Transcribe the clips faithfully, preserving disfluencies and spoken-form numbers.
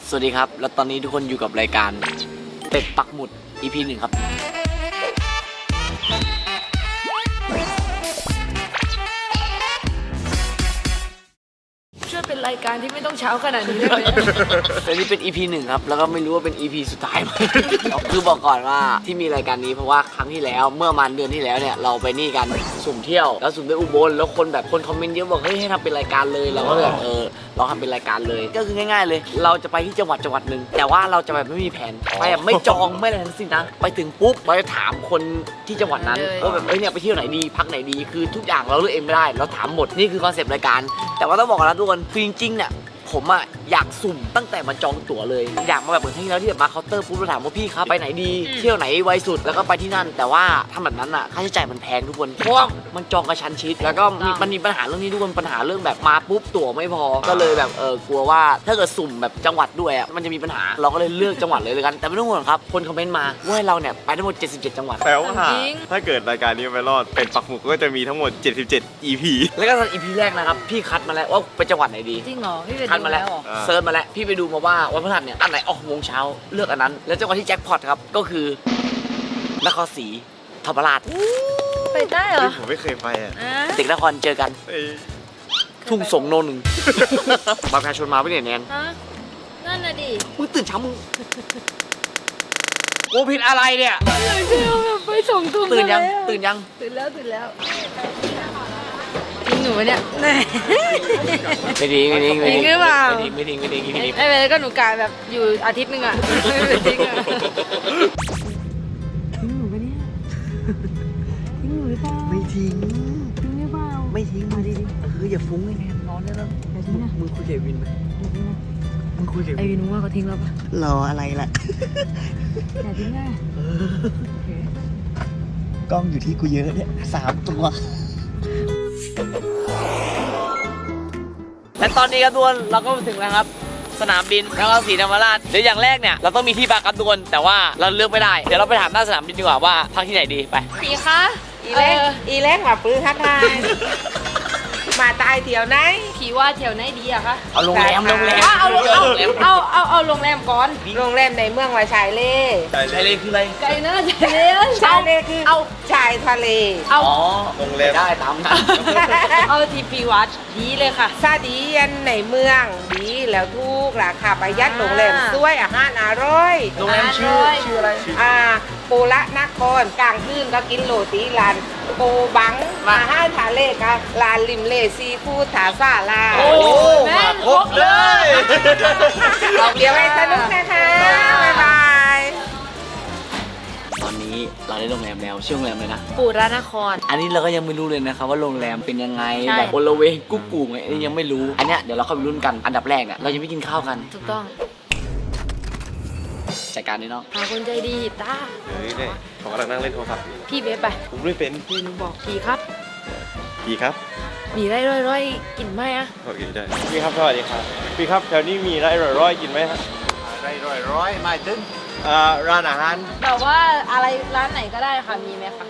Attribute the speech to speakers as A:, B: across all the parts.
A: สวัสดีครับแล้วตอนนี้ทุกคนอยู่กับรายการเป็ดปักหมุด อี พี หนึ่งครับ
B: ช่วยเป็นรายการที่ไม่ต้องเช้าขนาดนี้ได้ไหม
A: อันนี้เป็น อี พี หนึ่งครับแล้วก็ไม่รู้ว่าเป็น อี พี สุดท้ายไหม คือบอกก่อนว่าที่มีรายการนี้เพราะว่าครั้งที่แล้วเมื่อประมาณเดือนที่แล้วเนี่ยเราไปนี่กันสุ่มเที่ยวแล้วสุ่มไปอุบลแล้วคนแบบคนคอมเมนต์เยอะบอกเฮ้ยให้ทำเป็นรายการเลยเราก็เลยแบบเออเราทำเป็นรายการเลยก็คือง่ายๆเลยเราจะไปที่จังหวัดจังหวัดหนึ่งแต่ว่าเราจะแบบไม่มีแผนไปแบบไม่จองไม่อะไรทั้งสิ้นนะไปถึงปุ๊บเราจะถามคนที่จังหวัดนั้นว่าแบบเอ้ยเนี่ยไปเที่ยวไหนดีพักไหนดีคือทุกอย่างเราเลือกเองไม่ได้เราถามหมดนี่คือคอนเซปต์รายการแต่ว่าต้องบอกกันนะทุกคนคือจริงๆเนี่ยผมอะอยากสุ่มตั้งแต่มาจองตั๋วเลยอยากมาแบบเหมือนที่แล้วที่แบบมาเคาน์เตอร์ปุ๊บเราถามว่าพี่ครับไปไหนดีเที่ยวไหนไวสุดแล้วก็ไปที่นั่นแต่ว่าทำแบบนั้นอะค่าใช้จ่ายมันแพงทุกคนเพราะว่ามันจองกระชั้นชิดแล้วก็มีมันมีปัญหาเรื่องนี้ทุกคนปัญหาเรื่องแบบมาปุ๊บตั๋วไม่พอก็เลยแบบเออกลัวว่าถ้าเกิดสุ่มแบบจังหวัดด้วยอะมันจะมีปัญหาเราก็เลยเลือกจังหวัดเลยเลยกันแต่ไม่ต้องห่วงครับคนคอมเมนต์มาว่าให้เราเนี่ยไปทั้งหมดเจ็ดสิบเจ็ดจังหวัด
C: แปลว่าถ้าเกิดรายการนี้ไปรอดเป็นปักหมุดก็จะมีทั้งหมดเจ็ดสิบเจ็ด อี พี
A: แล้วก็ตอน อี พี แรกนะครับพี่คัดมาแล้วว่าไปจังหวัดไหนดี
B: จริงเหรอพี่เป็น
A: คัดมาแล้ว
B: เหรอ
A: เซิร์ชมาแล้วพี่ไปดูมาว่าวันพฤหัสเนี่ยอันไหนออกโมงเช้าเลือกอันนั้นแล้วจังหวัดที่แจ็คพอตครับก็คือนครศรีธรรมราช
B: ไปได้เหรอ
C: ผมไม่เคยไปอ่ะ
B: อ่ะ
A: เด็กนครเจอกัน
C: เอ้ย
A: ทุ่งสงโนหนึ่ง บัตรประชาชนมาไม่เนี่ยแนน
B: ฮะนั่นน่ะดิ
A: มึงตื่นเช้ามึงกูผิดอะไรเนี่ย
B: อะไรที่เราแบบไปส่งทุ่ม
A: ตื่นยัง
B: แล้ว
A: ตื่นยัง
B: ตื่นแล้วตื่นแล้วทิ้งหนูไว้เนี่ยแน่
A: ไม่ทิ้งไม่ทิ้งไม่
B: ทิ้
A: ทิ้
B: ง
A: ง
B: หรือเปล่า
A: ไม่ทิ้งไม่ทิ้งไม่ทิ้งไม่ทิ้ง
B: ไอ้เวลก็หนูกายแบบอยู่อาทิตย์หนึงอ่ะไม่ไปทิ้งอ่ะทิ้งหนูปะเนี่ยทิ้งหนูหรือเปล่า
A: ไม่ทิ้ง
B: ทิ้งหรือเปล่า
A: ไม่ทิ้งมาดิเอออย่าฟุ้งไอ้แนนนอนได้แล้ว
B: อย่าทิ้งนะ
A: มึงคุยกับวินไหม
B: อย่าทิ้งนะ
A: มึงคุยกับ
B: ไอวินว่าเขาทิ้งเราปะ
A: รออะไรล่ะ
B: อย่าทิ้งนะโอเค
A: กล้องอยู่ที่กูเยอะเนี่ยสามตัวและตอนนี้ครับทุกคนเราก็มาถึงแล้วครับสนามบินนครศรีธรรมราชเดี๋ยวอย่างแรกเนี่ยเราต้องมีที่พักครับทุกคนแต่ว่าเราเลือกไม่ได้เดี๋ยวเราไปถามหน้าสนามบินดีกว่าว่าพักที่ไหนดีไป
B: พี่คะ
D: อีเล็กอีเล็กมาปื้อทักทายมาตายเที่ยวไหน
B: ผีว่าแถวไหนดีอะคะ
A: เอาโรงแรมโรงแรม
B: ว่าเอาโรงเอาเอาเอาเอาโรงแรมก่อน
D: โรงแรมในเมืองว่าชายเล่
A: ใช่เลยคืออะไร
B: ไกลนะใจเลย
D: ชายเล่คือ
B: เอา
D: ชายทะเล
B: เอา
A: อ๋อ
C: โรงแรม
A: ได้ตามนั้น
B: เอาทีพีวัดดีเลยค่ะ
D: ซาดียันในเมืองดีแล้วทุกราคาประหยัด
B: อ่า
D: โรงแรมสวยอาหารอร่อย
A: โรงแรมชื่อชื่ออะไร
D: อ่าปูละนครกลางคืนก็กินโรตีลานโปบังอาหารทะเลก็ลานริมเลซีฟู้ดถาซาลา
A: โอ้แม่ครบเลย
D: เดี๋ยวไปสนุกนะคะบ๊ายบาย
A: ตอนนี้เราได้โรงแรมแล้วชื่อโรงแรมเลยนะ
B: ปูระนคร
A: อันนี้เราก็ยังไม่รู้เลยนะครับว่าโรงแรมเป็นยังไง
B: ใช่
A: แบบโอละเวงกุ๊กกูไงอันนี้ยังไม่รู้อันเนี้ยเดี๋ยวเราเข้าไปรุ่นกันอันดับแรกเนี่ยเราจะไม่กินข้าวกัน
B: ถูกต้อง
A: จัดการด้วยเนาะ
B: หาคนใจดีตา
C: เฮ้ยเนี่ยผมกำลังนั่งเล่นโทรศัพท์อยู่
B: พี่เบสไป
C: ผมไม่เป็น
B: พี่หนูบอกพี่ครับ
C: พี่ครับ
B: มีไรร้อยๆกินไหมอะ
C: โอเคได้พี่ครับสวัสดีครับพี่ครับแถวนี้มีร้านอร่อยๆกินไหมฮะ
E: ได้ร้อยร้อยไม่ถึง
C: อ่าร้านอาหาร
B: แบบว่าอะไรร้านไหนก็ได้ค่ะมีไหมคะ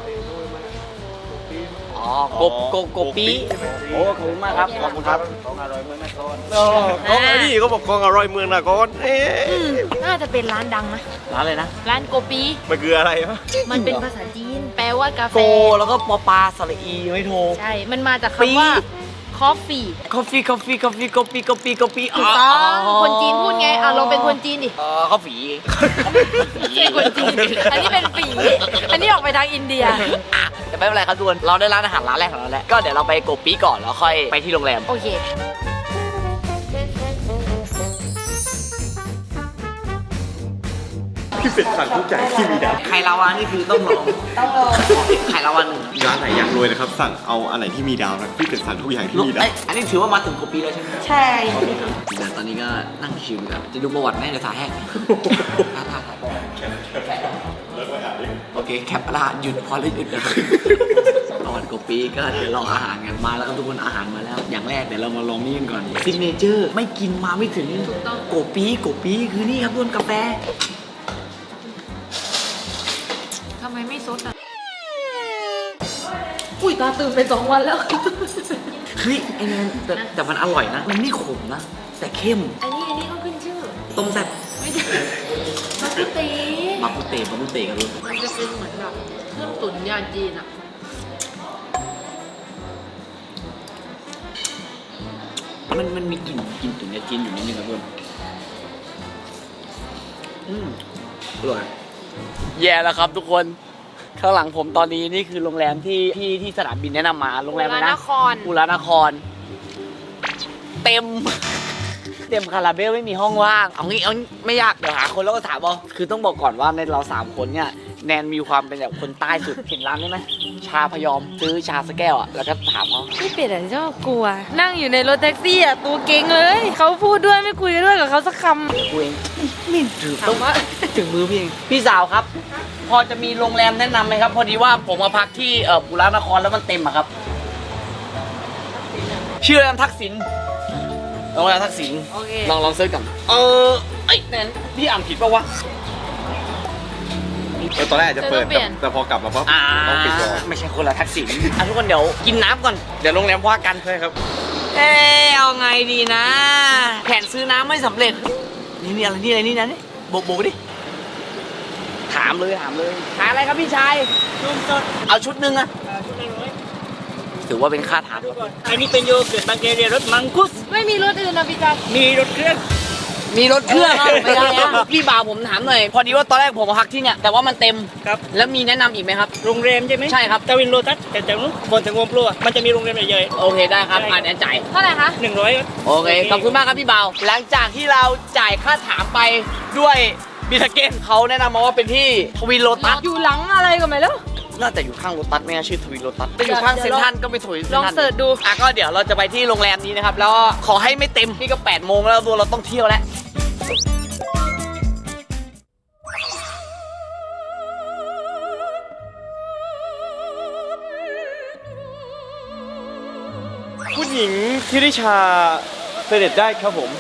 A: อ๋อกบกบกบปีโอ้ขอบคุณมากครับขอบคุณครับ
E: ของอร่อยเมืองนคร
C: โอ้ของอันนี้เขาบอกของอร่อยเมืองนครเอ๊ะ
B: อืมน่าจะเป็นร้านดังนะ
A: ร้านเลยนะ
B: ร้านโกปี
C: มันคืออะไรวะ
B: มันเป็นภาษาจีน แปลว่ากาแฟ
A: โกแล้วก็ปอปลาสระอีไม่โทร
B: ใช่ มันมาจาก
A: ปี
B: คำว่า coffee
A: coffee coffee coffee coffee coffee coffee
B: ถูกต้อง คนจีนพูดไงอ่ะลองเป็นคนจีนดิ
A: เออข้าวฝี
B: ไม่ใช่คนจีน อันนี้เป็นฝีอันนี้ออกไปทางอินเดีย
A: อ่ะแต่ไม่เป็นไรครับทุกคนเราได้ร้านอาหารร้านแรกของเราแล้วก็เดี๋ยวเราไปโกปีก่อนแล้วค่อยไปที่โรงแรม
B: โอเค
C: พี่เป็ดสั่งทุกอย่างที่มีดาว
A: ไข่ลาวานี่คือต้องลองต้องลองไข่ลาวาหนึ่ง
C: ร้านไหนอยากรวยนะครับ สั่งเอาอันไหนที่มีดาวนะพี่เป็ดสั่งทุกอย่างที่มีดาว
A: เอ้ยอันนี้ถือว่ามาถึงโกปีแล้วใช่ไหม
D: ใช่
A: เดี๋ยวตอนนี้ก็นั่งชิวครับจะดูประวัติแม่เดี๋ยวถ่ายแห้งถ่ายถ่ายถ่ายโอเคแคปละหยุดพอแล้วหยุดเลยประวัติโกปีก็เดี๋ยวรออาหารกันมาแล้วก็ทุกคนอาหารมาแล้ว อย่างแรกเดี๋ยวเรามาลองนี่กันก่อนซิกเนเจอร์ไม่กินมาไม่ถึง
B: ถูกต้อง
A: โกปีโกปีคือนี่ครับทุกคนกาแฟ
B: ทำไมไม่ซดอ่ะ อุ้ยตาตื่นไปสองวันแล้ว
A: เฮ้ยไอ้แนนแต่แต่มันอร่อยนะ มันไม่ขมนะ แต่เข้ม
B: อันนี้อันนี้ก็ขึ้นชื่อ
A: ต้มแซ่บ
B: ไม่ใช่มักกุเต
A: บักกุเตบักกุเตครับทุกคน
B: มันจะเป็นเหมือนแบบเครื่องตุ๋นยาจีนอะ
A: มันมันมีกลิ่นกลิ่นตุ๋นยาจีนอยู่นิดนึงครับทุกคนอืมอร่อยแย่แล้วครับทุกคนข้างหลังผมตอนนี้นี่คือโรงแรมที่ที่ที่สนามบินแนะนำมาโรงแรมอะไร
B: น
A: นะ
B: คร
A: ปูรานคร เต็ม เต็มคาราเบลไม่มีห้องว่างเอางี้เอางี้ไม่ยากเดี๋ยวหาคนแล้วก็ถามเอาคือต้องบอกก่อนว่าในเราสามคนเนี่ยแนนมีความเป็นแบบคนใต้สุดเห็นร้านได้ไหมชาพยอมซื้อชาสกแก้วอ่ะแล้วก็ถามเขา
B: พี่เป็ดอะชอบกลัว นั่งอยู่ในรถแท็กซี่อะตัวเก่งเลยเขาพูดด้วยไม่คุยด้วยกับเขาสักคำ
A: กูเองไม่ถือ
B: ถา
A: ต้อ
B: ม
A: ง
B: ว่า
A: ถึงมือพี่เองพี่สาวครับ พอจะมีโรงแรมแนะนำไหมครับ พอดีว่าผมมาพักที่เอ่อปุรานครแล้วมันเต็มอะครับ ชื่อโรงแรมทักษิณโรงแรมทักษิณ
B: โอเค
A: ลองลองเซิร์ชกันเออไอ้ยแนนพี่อ่านผิดปะวะ
C: เออตอนแรกอาจจะเปิด
B: เดี๋ยวต้องเปลี่ยน
C: แต่พอกลับมาปั๊บ
A: อ่า
C: ต้องปิดก่อน
A: ไม่ใช่คนละทักษิณอ่ะทุกคนเดี๋ยวกินน้ำก่อนเดี๋ยวโรงแรมว่ากัน
C: ใช่ครับ
A: เอ๊ะเอาไงดีนะ แผนซื้อน้ำไม่สำเร็จ นี่นี่อะไรนี่อะไรนี่นะนี่โบกโบกดิถามเลยถามเลยขายอะไรครับพี่ชายชุดสดเอาชุดหนึ่งอะ
E: ชุดละร้อย
A: ถือว่าเป็นค่าถาม
E: ดูก่อนอันนี้เป็นโยเกิร์ตบางเกเรียรสมังคุส
B: ไม่มีรถอื่นนะพี่จัน
E: มีรสเครื่อง
A: มีรถเครื่องอะไม่ได้นะพี่บ่าวผมถามหน่อยพอดีว่าตอนแรกผมมาพักที่เนี่ยแต่ว่ามันเต็ม
E: ครับ
A: แล้วมีแนะนำอีกไหมครับ
E: โรงแรมใช่ไหม
A: ใช่ครับ
E: ตาวินโลตัสแต่แต่นู้นบนถึงวงปลัวมันจะมีโรงแรมใหญ่
A: โอเคได้ครับอ่านแอนจ่าย
B: เท่าไหร่คะ
E: ๆหนึ่งร้อย
A: โอเคขอบคุณมากครับพี่บ่าวหลังจากที่เราจ่ายค่าถามไปด้วยบิทเกนเขาแนะนำมาว่าเป็นที่ทวินโลตัส
B: อยู่หลังอะไรก็ไม่รู้
A: น่าจะอยู่ข้างโลตัสไม่น่าชื่อทวินโลตัสจะอยู่ข้างเซ็นทรัลก็ไม่ถูก
B: ลองเสิร์ชดู
A: อ่ะก็เดี๋ยวเราจะไปที่โรงแรมนี้นะครับ แล้วก็ขอให้ไม่เต็มนี่ก็แปดโมงแล้วตัวเราต้องเที่ยวแล้ว
C: คุณหญิงทิริชาเสด็จได้ครับผม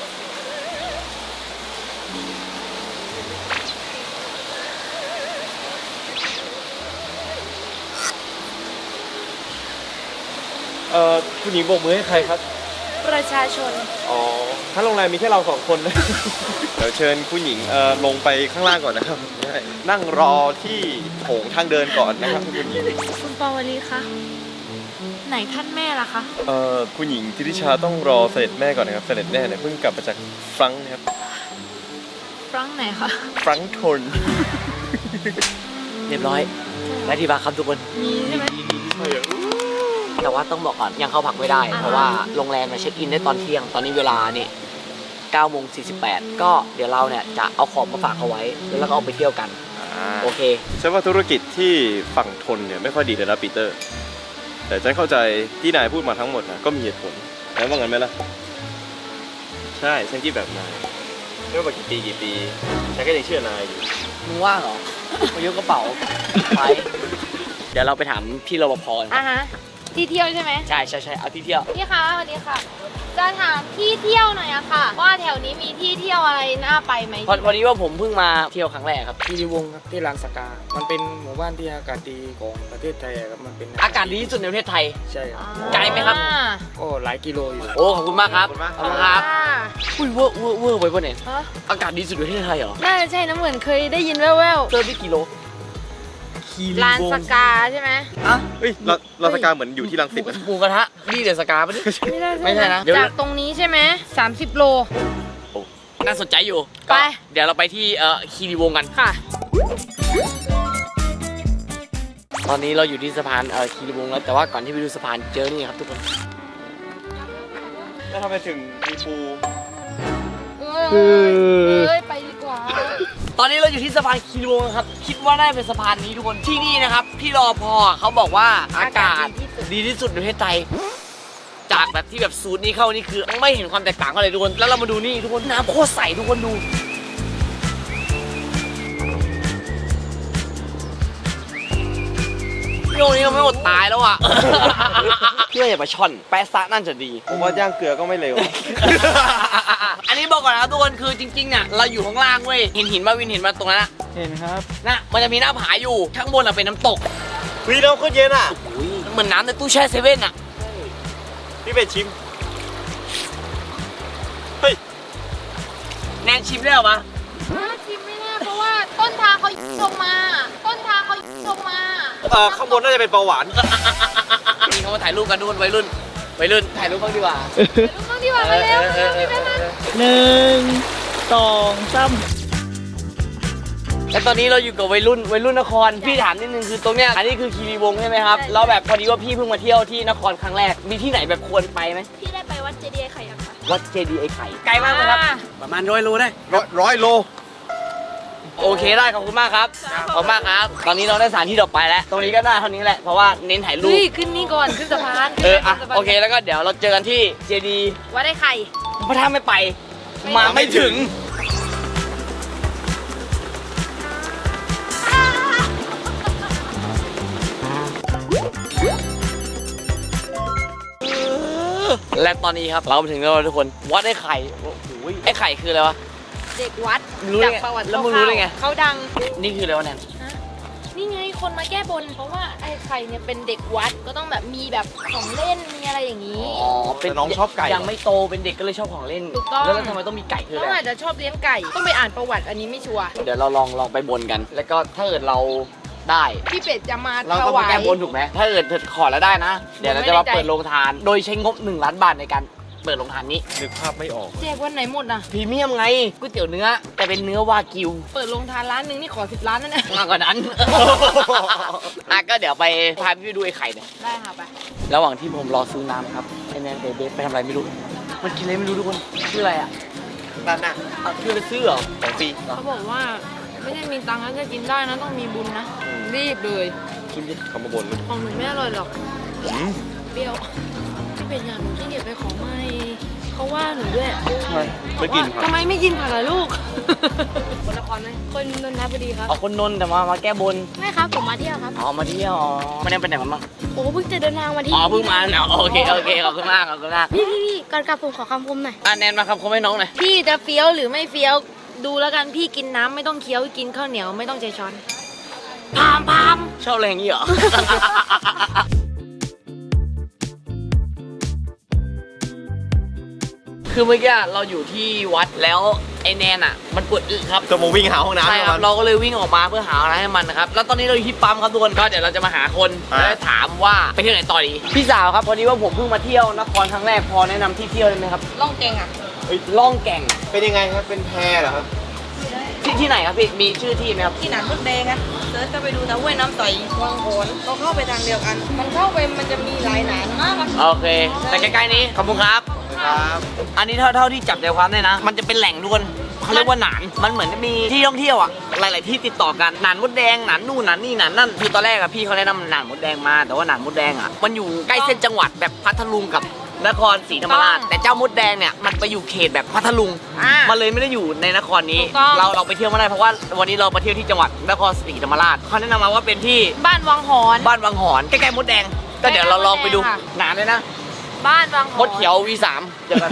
C: เอ่อคุณหญิงโบกมือให้ใครครับ
B: ประชาชน
C: อ๋อถ้าโรงแรมมีแค่เราสองคนนะ เดี๋ยวเชิญคุณหญิงเอ่อลงไปข้างล่างก่อนนะครับได้นั่งรอที่โถงทางเดินก่อนนะครับคุณหญิง
B: คุณปาวลีคะไหนท่านแม่ล่ะคะ
C: เอ่อคุณหญิงทิริชาต้องรอเสด็จแม่ก่อนนะครับเสด็จแม่เนี่ยเพิ่งกลับมาจากฟรังก์นะครับ
B: ฟรังก์ไหนคะ
C: ฟรังก์ทน
A: เรียบร้อยและที่พักครับทุกคน
B: มีใช่ไหม
A: แต่ว่าต้องบอกก่อนยังเข้าพักไม่ได้
B: อ่าฮะ
A: เพราะว่าโรงแรมมาเช็คอินได้ตอนเที่ยงตอนนี้เวลานี่เก้าโมงสี่สิบแปดก็เดี๋ยวเราเนี่ยจะเอาของมาฝากเขาไว้แล้วเราก็เอาไปเที่ยวกันโอเค
C: ใช่ว่าธุรกิจที่ฝั่งทนเนี่ยไม่ค่อยดีเลยนะปีเตอร์ แต่ฉันเข้าใจที่นายพูดมาทั้งหมดนะก็มีเหตุผลแล้วว่างั้นไหมล่ะ ใช่ฉันคิดแบบนายไม่ว่ากี่ปีกี่ปีฉันก็ยังเชื่อนายอยู่
A: มึงว่างเหรอ มายกกระเป๋าไปเดี๋ยวเราไปถามพี่รปภกัน
B: อ่ะฮะ ที่เที่ยวใช่ไหม
A: ใช่ใช่ใช่เอาที่เที่ยว
B: พี่คะสวัสดีค่ะ จะถามที่เที่ยวหน่อยอะค่ะ ว่าแถวนี้มีที่เที่ยวอะไรน่าไปไหม
A: พอพอดีว่าผมเพิ่งมาเที่ยวครั้งแรกครับ
F: คีรีวงศ์ครับที่ลานสกา มันเป็นหมู่บ้านที่อากาศดีของประเทศไทยอะครับ มันเป็น
A: อากาศดีที่สุดในประเทศไทย
F: ใช่ครับ
A: ไกลไหมครับ
B: อ่า
F: ก็หลายกิโลอยู่
A: โอ้ขอบคุณมากครับขอบคุณครับ
B: อ่า
A: อุ้ยเวอร์เวอร์เวอร์ไปปะเนี่ย
B: ฮะ
A: อากาศดีสุดในประเทศไทยเหรอ
B: น่าจะใช่นะเหมือนเคยได้ยินแว่ว
A: เจอที่กิโล
B: ๆลานสกาใช่ไหม
A: อ่ะ
C: เฮ้ยเราเราสกาเหมือนอยู่ที่รังสิตนะ
A: หมูกระทะนี่เดี๋ยวสกาปะเนี่ย
B: ไม่ได้
A: ไม่ใช่นะเดี๋ยว
B: จากตรงนี้ใช่ไหมสามสิบโล
A: น่าสนใจอยู่
B: ไป
A: ก็เดี๋ยวเราไปที่เอ่อคีรีวงศ์กัน
B: ค่ะ
A: ตอนนี้เราอยู่ที่สะพานเอ่อคีรีวงศ์แล้วแต่ว่าก่อนที่ไปดูสะพานเจอนี่ครับทุกคน
C: แล้วทำไมถึงมีปู
B: เอ้ยเอ้ย ไปดีกว่า
A: ตอนนี้เราอยู่ที่สะพานคีรีวงศ์ครับคิดว่าน่าจะเป็นสะพานนี้ทุกคนที่นี่นะครับพี่รอพอเขาบอกว่าอากาศดีที่สุดในประเทศไทยจากแบบที่แบบสูตรนี้เข้านี่คือไม่เห็นความแตกต่างกันเลยทุกคนแล้วเรามาดูนี่ทุกคนน้ำโคตรใสทุกคนดูโยนี้เราไม่หมดตายแล้วอ่ะ เพื่ออย่าไปช่อนแปะซะนั่นจะดี
C: ผมว่าย่างเกลือก็ไม่เร็ว
A: อันนี้บอกก่อนนะครับทุกคนคือจริงๆเนี่ยเราอยู่ข้างล่างเว้ยเห็นหินมาวินเห็นมาตรงนั้นอะ
F: เห็นครับ
A: นะมันจะมีหน้าผาอยู่ข้างบนอะเป็นน้ำตก
C: วิน้ำโคตรเย็นอ่ะ
A: เหมือนน้ำในตู้แช่เซเว่นอะ
C: พี่เป็ดชิม เฮ้ย
A: แนนชิมได้เหรอปะ
B: ชิมไม่ได้เพราะว่าต้นทางเขาลงมา ต้นทางเขาลงมา
C: เออข้างบนน่าจะเป็นเบาหวาน
A: มีเขามาถ่ายรูปกันทุกคนวัยรุ่นวัยรุ่นถ่ายรูปบ้างดีกว่า
B: ต้องดีกว่าไปแล้วไปแล้วไปแล้ว
E: หนึ่งสองสาม
A: และตอนนี้เราอยู่กับวัยรุ่นวัยรุ่นนครพี่ถามนิดนึงคือตรงเนี้ยอันนี้คือคีรีวงศ์ใช่ไหมครับแล้วแบบพอดีว่าพี่เพิ่งมาเที่ยวที่นครครั้งแรกมีที่ไหนแบบควรไปไหม
B: พี่ได้ไปวัดเจดีย์ไข่ยังคะ
A: วัดเจดีย์ไอ้ไข่ไกลมากไหมครับ
F: ประมาณร้อยโลได้
C: ร้อยร้อยโล
A: โอเคได้ขอบคุณมากครับขอบคุณมากครับตอนนี้เราได้สถานที่ต่อไปแล้ว ตรงนี้ก็ได้เท่านี้แหละเพราะว่าเน้นถ่ายรูป
B: เฮ้ยขึ้นนี่ก่อนขึ้นสะพาน
A: เอออ่ะโอเคแล้วก็เดี๋ยวเราเจอกันที่เจดีย์
B: วัดไอ้ไข่
A: พระถ้าไม่ไป มาไม่ถึงและตอนนี้ครับเรามาถึงแล้วทุกคนวัดไอ้ไข่โอ้โหไอ้ไข่คืออะไรวะ
B: เด็กวัด
A: รู้ได้
B: จาก
A: ไง
B: ประวัติ
A: แล้วมึงรู้ได้ไง
B: เขาดัง
A: นี่คืออะไรวะแนน
B: นี่ไงคนมาแก้บน เพราะว่าไอ้ไข่เนี่ยเป็นเด็กวัดก็ต้องแบบมีแบบของเล่นมีอะไรอย่างนี้
A: อ๋อเป็น
C: แต่น้องชอบไก่
A: ยังไม่โตเป็นเด็กก็เลยชอบของเล่น
B: ถูกต้อง
A: แล้วทำไมต้องมีไก่คือ
B: น้
A: อะ
B: อง
A: ไร
B: อาจจะชอบเลี้ยงไก่ ต้องไปอ่านประวัติอันนี้ไม่ชัวร์
A: เดี๋ยวเราลองลองไปบนกัน แล้วก็ถ้าเกิดเราได้
B: พี่เป็ดจะมา
A: เรา
B: ถ
A: ต้อง
B: วา
A: ไป
B: ย
A: แก้บนถูกไหมถ้าเกิดเธอขอแล้วได้นะ เดี๋ยวเราจะมาเปิดโรงทาน โดยใช้งบหนึ่งล้านบาทในการเปิดโรงทานนี้
C: นึกภาพไม่ออก
B: แจกวันไหนหมดอ่ะ
A: พรีเมียมไงก๋วยเตี๋ยวเนื้อแต่เป็นเนื้อวากิว
B: เปิดโรงทานร้านหนึ่งนี่ขอสิบล้านนั่นแหละ
A: มากกว่านั้น อ่ะก็เดี๋ยวไปพาพี่ไปดูไอ้ไข่เนี่ย
B: ได้ค่ะไป
A: ระหว่างที่ผมรอซื้อน้ำครับไอ้แนนเบสไปทำอะไรไม่รู้ มันกินอะไรไม่รู้ทุกคนชื่ออะไรอ่ะ
C: ด้านหน้า
A: อ่ะคือไปซื้อเหรอ
C: ของฟรี
B: เขาบอกว่าไม่ได้มีตังค์แล้วจะกินได้นะต้องมีบุญนะ รีบเลย
A: กินดิ
C: เขามาบน
B: ของหนูไม่อร่อยหรอกเปรี้ยวพี่เป็ดอยากหนูขี้เกียจไปของไม่เขาว่าหนูด้วย
C: ไม่กินผัก
B: ทำไมไม่กินผักล่ะลูก คนนครไหมคนนนทบุรีครับ
A: เอาคนนนท์แต่มามาแก้บน
B: ไม่ครับผมมาเที่ยวครับ
A: อ๋อมาเที่ยวอ๋อมาเนี่ยไปไหนมาบ้าง
G: โอ้เพิ่งจะเดินทางมาที่
A: อ๋อเพิ่งมาเนาะโอเคโอเคขอบคุณมากขอบคุณมาก
G: พี่พี่พี่ก่อนกลับผมขอคำคมหน่อย
A: อ่ะแนนมาครับเขาไม่น้องหน่อย
B: พี่จะเฟี้ยวหรือไม่เฟี้ยวดูแล้วกันพี่กินน้ำไม่ต้องเคี้ยวกินข้าวเหนียวไม่ต้องใช้ช้อนพามพาม
A: ชอบอะไรอย่างนี้เหรอ คือเมื่อกี้เราอยู่ที่วัดแล้วไอแนนอ่ะ มันปวดอึครับ
C: จะมาวิ่งหาห้องน้ำ
A: ใช่ครับ
C: มัน
A: เราก็เลยวิ่งออกมาเพื่อหาอะไรให้มันนะครับแล้วตอนนี้เราอยู่ที่ปั๊มครับทุกคนก็เดี๋ยวเราจะมาหาคน
C: อ่ะ
A: แล้วถามว่าไปเที่ยวไหนต่อดีพี่สาวครับพอดีว่าผมเพิ่งมาเที่ยวนครครั้งแรกพอแนะนำที่เที่ยวได้ไหมครับ
B: ล่องเก่งอ่ะ
A: ล่องแก่ง
C: เป็นยังไงครับ เป็นแพเหรอครับ
A: ที่ที่ไหนครับพี่มีชื่อที่ไหมครับ
D: ที่หนานมดแดงอะเซิร์ชก็ไปดูนะห้วยน้ำใสวังโขนเราเข้าไปทางเดียวกัน มันเข้าไปมันจะมีหลายหนานมากอะ
A: โอเค แต่ใกล้ๆนี้ขอบคุณครับ
C: ครับ
A: อันนี้เท่าเท่าที่จับใจความได้นะ มันจะเป็นแหล่งทุกคนเขาเรียกว่าหนานมันเหมือนจะมีที่ท่องเที่ยวอ่ะหลาย ๆ ที่ติดต่อกันหนานมดแดงหนานนู่นหนานนี่หนานนั่นคือตอนแรกอะพี่เขาแนะนำหนานมดแดงมาแต่ว่าหนานมดแดงอ่ะมันอยู่ใกล้เส้นจังหวัดแบบพัทลุงกับนครศรีธรรมราชแต่เจ้ามดแดงเนี่ยมันไปอยู่เขตแบบพัทลุง
B: อ่า
A: มันเลยไม่ได้อยู่ในนครนี้
B: ถูกต้อง
A: เราเราไปเที่ยวไม่ได้เพราะว่าวันนี้เราไปเที่ยวที่จังหวัดนครศรีธรรมราชเขาแนะนำมาว่าเป็นที่
B: บ้านวังหอน
A: บ้านวังหอนใกล้ๆมดแดงก็เดี๋ยวเราลองไปดู
B: ใกล้ๆมดแดงค่ะ
A: หนานเลยนะ
B: บ้านวังหอน
A: มดเขียว วี สาม เจอกัน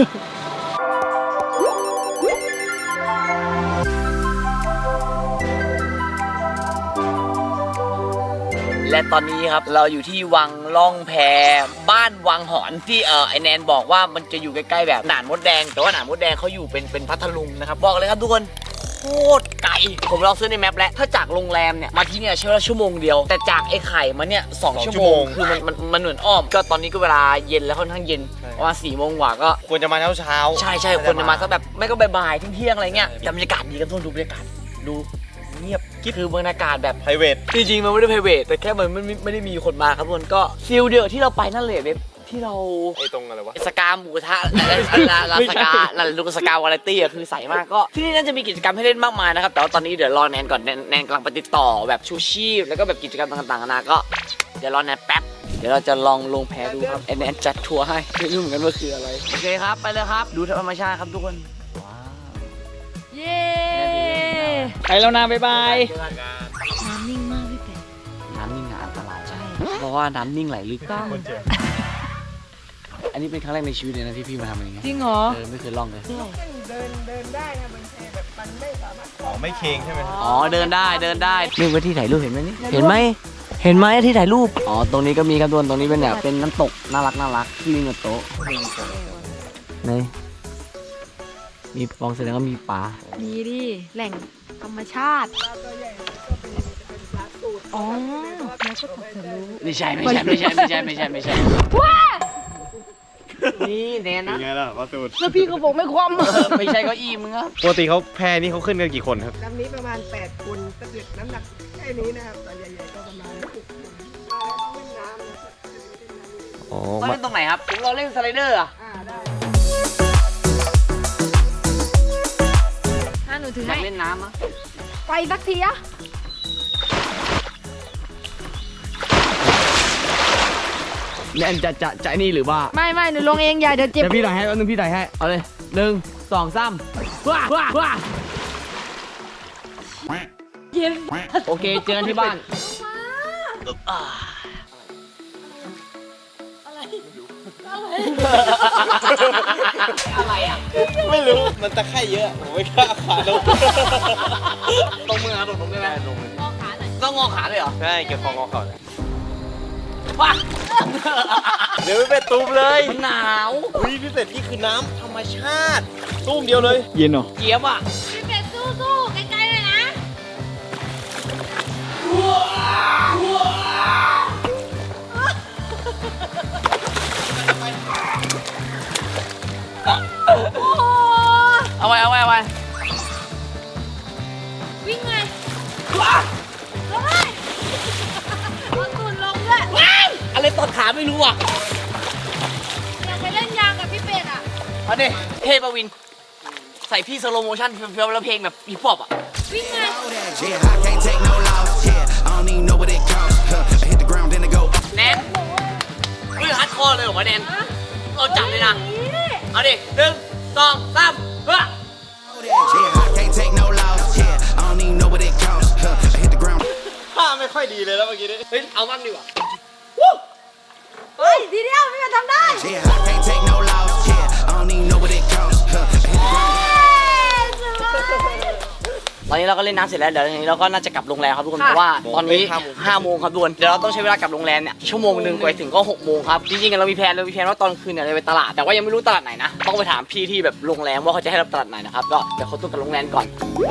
A: และตอนนี้ครับเราอยู่ที่วังล่องแพบ้านวังหอนที่เออไอแนนบอกว่ามันจะอยู่ใกล้ๆแบบหนานมดแดงแต่ว่าหนานมดแดงเขาอยู่เป็นเป็นพัทลุงนะครับบอกเลยครับทุกคนโคตรไกลผมลองซื้อในแมปแล้วถ้าจากโรงแรมเนี่ยมาที่เนี่ยใช้เวลาชั่วโมงเดียวแต่จากไอ้ไข่มาเนี่ยสอง
C: สอง
A: ชั่ว
C: ชั่ว
A: โม
C: โม
A: ง
C: ง
A: คือมันมันมันเหมือนอ้อมก็ตอนนี้ก็เวลาเย็นแล้วค่อนข้างเย็นประมาณสี่โมงกว่าก็
C: ควรจะมาเช้าเช้าๆ
A: ใช่ใช่คนจะมาสักแบบไม่ก็บ่ายๆเที่ยงๆอะไรเงี้ยแต่บรรยากาศดีกันทุกคนดูบรรยากาศดูเงียบคือบรรยากาศแบบ
C: ไพรเวท
A: จริงๆมันไม่ได้ private แต่แค่มันไม่ไม่ไม่ได้มีคนมาครับทุกคนก็ฟิลเดียวที่เราไปนั่นเลยเว็บที่เรา
C: ไอ้ตรงอะไรวะ
A: สกาหมูกระทะลาลาสกาลาลูกสกาวาไรตี้อะคือใสมากก็ที่นี่น่าจะมีกิจกรรมให้เล่นมากมายนะครับแต่ว่าตอนนี้เดี๋ยวรอแนนก่อนแนนแนนกำลังไปติดต่อแบบชูชีพแล้วก็แบบกิจกรรมต่างๆนานาก็เดี๋ยวรอแนนแป๊บเดี๋ยวเราจะลองลงแพดูครับไอแนนจัดทัวร์ให้ไม่รู้เหมือนกันว่าคืออะไรโอเคครับไปเลยครับดูธรรมชาติครับทุกคนว้าว
B: เย้
E: ไปแล้วนะบ๊ายบาย
B: น้ำนิ่งมากพี่เป็ด
A: น้ำนิ่งอันตรายใช่เพราะว่าน้ำนิ่งไหลลึกต้องอันนี้เป็นครั้งแรกในชีวิตเลยนะที่พี่มาทำอย่างเงี้ย
B: จริงเหรอ
A: เออไม่เคยล่องเลย
D: เดินเดินได้นะมันแบบมันไม่สามารถ
C: อ๋อ ไม่เคงใช่ไหม
A: อ๋อเดินได้เดินได้นี่เป็นที่ถ่ายรูปเห็นไหมนี่เห็นไหมเห็นไหมที่ถ่ายรูปอ๋อตรงนี้ก็มีครับทุกคนตรงนี้เป็นแบบเป็นน้ำตกน่ารักน่ารักที่มีกับโต๊ะนี่มีปองแสดงว่ามีปลา
B: ดีดิ แหล่งธรรมชาติ อ๋อแล้วก็ตัดเธอรู้
A: ไม่ใช่ไม่ใช่ไม่ใช่ไม่ใช่ไม่ใช่ไม่ใช่นี่แน่นะ
C: ไงล่ะปลาตูด
B: แล้วพี่ก็บอกไม่คว่ำ
A: เออไม่ใช่เก็อี้มึงอะ
C: ปกติเขาแพนี่เขาขึ้นกันกี่คนครับ
D: ลำนี้ประมาณแปดคนถ้าเกิดน้ำหนักแค่นี้นะครับแต่ใหญ่ๆก็ประมาณหกคนมาแล้วต้องเล่นน้ำนะครับ
C: อ๋อ
A: เขาเล่นตรงไหนครับผมเราเล่นสไลเดอร์อะ
D: อ่าได้
B: ถ้าหนูถือ
A: อยา
B: ให้
A: กเล่นน้ำอะ
B: ไปสักทีอะ
A: แนนจะจะจะนี่หรือว่า
B: ไม่ไม่หนูลงเองอย่าเดี๋ยวเจ็บ
A: เดี๋ยวพี่ถ่ายให้แป๊บนึงพี่ถ่ายให้เอาเลยหนึ่งสองสามว้าว้าว้า
B: เย็น
A: โอเคเจอกันที่บ้าน อะไรอ่ะ
C: ไม่รู้มันตะไคร่เยอะผมไม่กล้าขาลง
A: ตรงมือครับตรงได้ไหม
B: งอขาหน่อย
A: ต้องงอขาเลยเหรอ
C: ใช่เก็บของงอเข่าเลย
A: ว้า
C: เดี๋ยวไม่เป็นตูมเลย
A: มันหนาว
C: อุ้ยพี่เป็ดนี่คือน้ำธรรมชาติตูมเดียวเลย
E: เย็นเหรอ
A: เจี๊ยบอ่ะ
B: พี่เป็ดสู้ๆใกล้ๆเลยนะ
A: เอาไว้เอาไว้เอาไว้
B: วิ่งไงว้าลงเลยลงตุ่นลงด้วย
A: อะไรตอดขาไม่รู้อ่ะ
B: อยากไปเล่นยางกับพี่เป็ดอ่ะ
A: เอาดิเทพวิน ใส่พี่สโลโมชั่นเฟี้ยวๆแล้วเพลงแบบฮิปฮอปอ่ะ
B: วิ่งไง
H: Yeah, I can't take no loss. Yeah, I don't even know what it costs. Huh, I hit the ground, then I go.
A: แนนเฮ้ยฮัดคอร์เลยเหรอวะแนนเราจับเลยนะ เอาดิหนึ่งสองสามเฮ้ย
H: Yeah, I can't take no loss. Yeah, I don't even know what it costs. Huh, I hit the ground.
C: ท่าไม่ค่อยดีเลยแล้วเมื่อกี้นี้
A: เฮ้ย เอาบ้างดีกว่า
B: เฮ้ยทีเดียวพี่เป็ดทำได้
H: Yeah, I can't take no loss. Yeah, I don't even know what it costs. Huh, I hit the ground.
A: ตอนนี้เราก็เล่นน้ำเสร็จแล้วเดี๋ยวทีนี้เราก็น่าจะกลับโรงแรมครับทุกคนเพราะว่าตอนนี้ห้าโมงครับทุกคนเดี๋ยวเราต้องใช้เวลากลับโรงแรมเนี่ยชั่วโมงหนึ่งกว่าจะถึงก็หกโมงครับจริงๆเรามีแผนเรามีแผนว่าตอนคืนเนี่ยเราไปตลาดแต่ว่ายังไม่รู้ตลาดไหนนะต้องไปถามพี่ที่แบบโรงแรมว่าเขาจะให้เราตลาดไหนนะครับก็เดี๋ยวเขาต้องกลับโรงแรมก่อน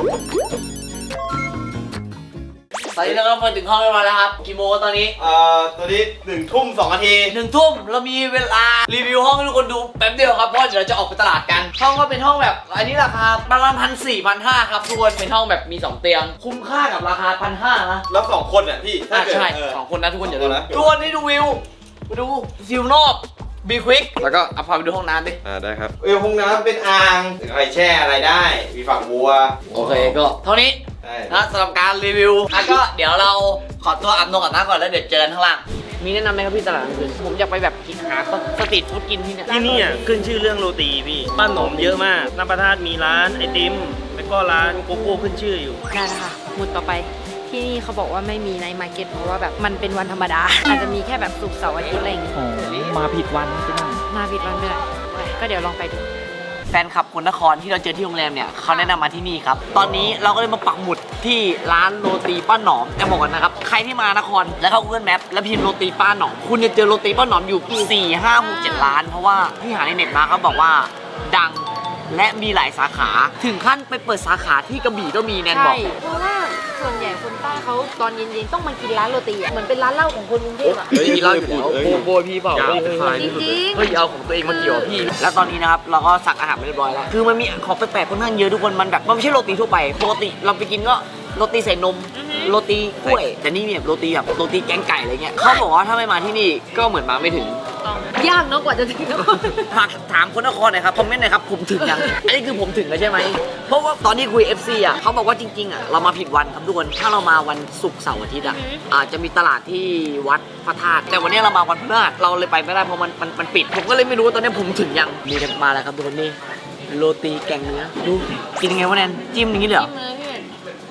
A: ตอนนี้เราก็มาถึงห้องเรียบร้อยแล้วครับกี่โมงตอนนี้
C: เอ่อตัวนี้หนึ่งทุ่มสองนาที
A: หนึ่งทุ่มเรามีเวลารีวิวห้องให้ทุกคนดูแป๊บเดียวครับเพราะเดี๋ยวเราจะออกไปตลาดกันห้องก็เป็นห้องแบบอันนี้ราคาประมาณพันสี่พันห้าครับทุกคนเป็นห้องแบบมีสองเตียงคุ้มค่ากับราคาพันห้านะ
C: แล้วสองคนอ่ะพี่ถ้า
A: อ่ะ
C: เกิด
A: ใช่
C: เออ
A: สองคนนะทุกคนอย่าลืม
C: สองคนนะ
A: ทุกคนให้ดูวิวมาดูวิวนอกบีควิกแล้วก็เอาพาไปดูห้องน้ำดิ
C: อ่าได้ครับเออห้องน้ำเป็นอ่างอะไรแช่อะไรได้ มีฝักบัว
A: โอเคก็เท่านี้
C: ใช่
A: นะสำหรับการรีวิวอ่ะก็เดี๋ยวเราขอตัวอาบน้ำก่อนนะก่อนแล้วเดี๋ยวเจอกันข้างล่างมีแนะนำไหมครับพี่ตลาดกลางคืนผมอยากไปแบบกินหาสตรีทฟู้ดกินที่เนี่ย
I: ที่นี่อ่ะขึ้นชื่อเรื่องโรตีพี่ป้าหนมเยอะมากน้ำประทาดมีร้านไอติมแล้วก็ร้านโกโก้ขึ้นชื่ออยู่
B: ได้แล้วค่ะหมุดต่อไปที่นี่เขาบอกว่าไม่มีในมาร์เก็ตเพราะว่าแบบมันเป็นวันธรรมดา อาจจะมีแค่แบบศุกร์เสาร์อาทิตย์อะไรอย่างเงี้ย
E: อ๋อ มาผิดวันใช่ไหม
B: มาผิดวันไปเลยไปก็เดี๋ยวลองไปดู
A: แฟนคลับคนนครที่เราเจอที่โรงแรมเนี่ยเขาแนะนำมาที่นี่ครับตอนนี้เราก็เลยมาปักหมุดที่ร้านโรตีป้าหนอมแต่บอกกันนะครับใครที่มานครแล้วเข้า Google Map แล้วพิมพ์โรตีป้าหนอมคุณจะเจอโรตีป้าหนอมอยู่สี่ ห้า หก เจ็ดร้านเพราะว่าที่หาในเน็ตมาเขาบอกว่าดังและมีหลายสาขาถึงขั้นไปเปิดสาขาที่กระบี่ก็มีแนนบ
B: ใช่
A: อก
B: เพราะว่าส่วนใหญ่คนใต้เขาตอนเย็นๆต้องมากินร้านโรตีอ่ะเหมือนเป็นร้านเหล้าของคนกรุงเทพอ่ะ
A: เฮ้ยมีเหล้าอยู่แล้วโบโบยพี่เปล่า
B: จริง
A: เฮ้ยเอาของตัวเองมาเกี่ยวพี่ แล้วตอนนี้นะครับเราก็สั่งอาหารไปเรียบร้อยแล้วคือมันมีของแปลกๆค่อนข้างเยอะทุกคนมันแบบมันไม่ใช่โรตีทั่วไปปกติเราไปกินก็โรตีใส่นมโรตีกล้วยแต่นี่เนี่ยโรตีแบบโรตีแกงไก่อะไรเงี้ยเขาบอกว่าถ้าไม่มาที่นี่ก็เหมือนมาไม่ถึง
B: ๆยากเนาะกว่าจะถึงนคร
A: ฝากถามคนนครหน่อยครับคอมเมนต์หน่อยครับผมถึงยัง อันนี้คือผมถึงแล้วใช่ไหมเพราะว่าตอนที่คุย เอฟ ซี อ่ะเขาบอกว่าจริงๆอ่ะเรามาผิดวันครับทุกคนถ้าเรามาวันศุกร์เสาร์อาทิตย์อ่ะอาจจะมีตลาดที่วัดพระธาตุแต่วันนี้เรามาวันพฤหัสเราเลยไปไม่ได้เพราะมันมันมันปิด ผมก็เลยไม่รู้ว่าตอนนี้ผมถึงยังมีกันมาแล้วครับทุกคนนี่โรตีแกงเนื้อดูกินยังไงวะแนนจิ้มอย่างนี้เลยเหรอ
B: จิ้มเลยพี่เป็ด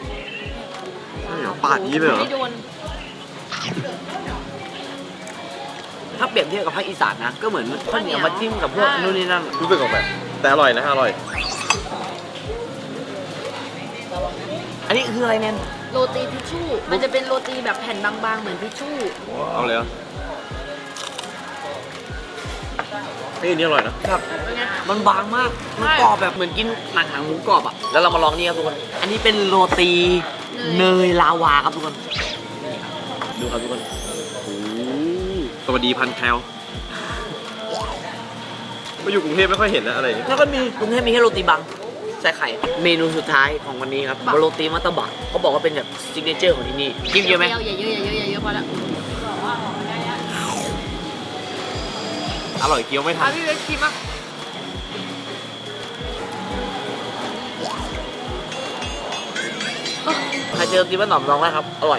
C: ปาดนี้เลยเหรอ
B: ไม่โดน
A: ถ้าเปรียบเทียบกับภาคอีสานนะก็เหมือนข้าวเหนียวมาจิ้มกับพวกนู่นนี่นั่น
C: รู้สึกออกแบบแต่อร่อยนะอร่อย
A: อันนี้คืออะไรแนน
B: โรตีทิชชู่มันจะเป็นโรตีแบบแผ่นบางๆเหมือนทิชชู่
C: เอาเลยเหรอเฮ้ยอันนี่อร่อยนะ
A: ครับมันบางมาก มันกรอบแบบเหมือนกินหนังหนังหมูกรอบอ่ะ แล้วเรามาลองนี่ครับทุกคน อันนี้เป็นโรตีเนยลาวาครับทุกคน ดูครับทุกคน
C: โอ้สวัสดีพันแคลมาอยู่กรุงเทพไม่ค่อยเห็นนะอะไรอย่างเงี้ย
A: แล้วก็มีกรุงเทพมีแค่โรตีบังใส่ไข่ เมนูสุดท้ายของวันนี้ครับโรตีมัตตบะเขาบอกว่าเป็นแบบซิกเนเจอร์ของที่นี่กินเยอะไหม
B: อย่าเยอะอย่าเยอะอย่าเยอะพอแล้ว
C: อร่อยเคี้ยวไม่ทั
B: อ่ะ
C: น
B: พี่เวสชิมอ่ะ
A: ใครเจอโรตีบ้านหนอมลองได้ครับ อร่อย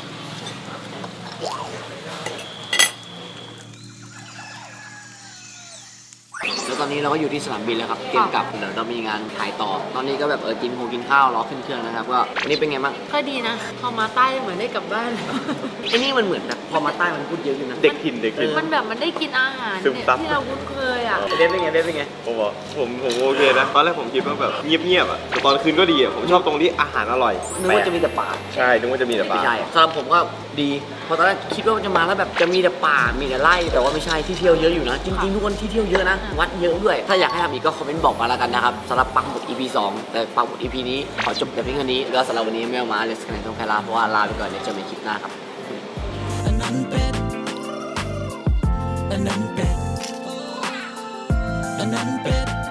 A: แล้วตอนนี้เราก็อยู่ที่สนามบินแล้วครับ เตรียมกลับ เดี๋ยวเรามีงานถ่ายต่อ ตอนนี้ก็แบบเออกินโฮกินข้าวรอขึ้นเครื่องนะครับ ก็อันนี้เป็นไงบ้าง
B: ก็ดีนะพอมาใต้เหมือนได้กลับบ้าน
A: ไอ้นี่มันเหมือนแบบพอมาใต้มันพูดเยอะอยู่นะ
C: เด็กถิ่นเด็กถิ่น
B: มันแบบมันได้กินอาหาร
C: ซึม
B: เนี่ย
C: ซับ
B: ที่เราคุ้นเคยอ่ะ
A: เด็ดเป็นไงเด็ดเป็นไง
C: ผมบอกผมผมโอเคนะ ตอนแรกผมคิดว่าแบบเงียบๆอ่ะแต่ตอนคืนก็ดีอ่ะ ผมชอบตรงที่อาหารอร่อย
A: นึกว่าจะมีแต่ป่า
C: ใช่ นึกว่าจะมีแต่ปลา
A: ไม่ใช่สำหรับผมก็ดีเพราะตอนแรกคิดว่ามันจะมาแล้วแบบจะมีแต่ป่า มีแต่ไร่ แต่ว่าไม่ใช่ที่เที่ยวเยอะอยู่นะ จริงๆทุกคนที่เที่ยวเยอะนะ วัดเยอะด้วย ถ้าอยากให้ทำอีกก็คอมเมนต์บอกมาแล้วกันนะครับสำหรับปักหมุด อี พี สอง แต่ปักหมุด อี พี นี้ขอจบแต่เพียงเท่านี้แล้วสำหรับวันนี้ไม่เอามาเลสกันในตรงแคลาเพราะว่าลาไปก่อนเดี๋ยวเจอกันในคลิปหน้าครับ
H: อันนั้นเป็ดอันนั้นเป็ดอันนั้นเป็ด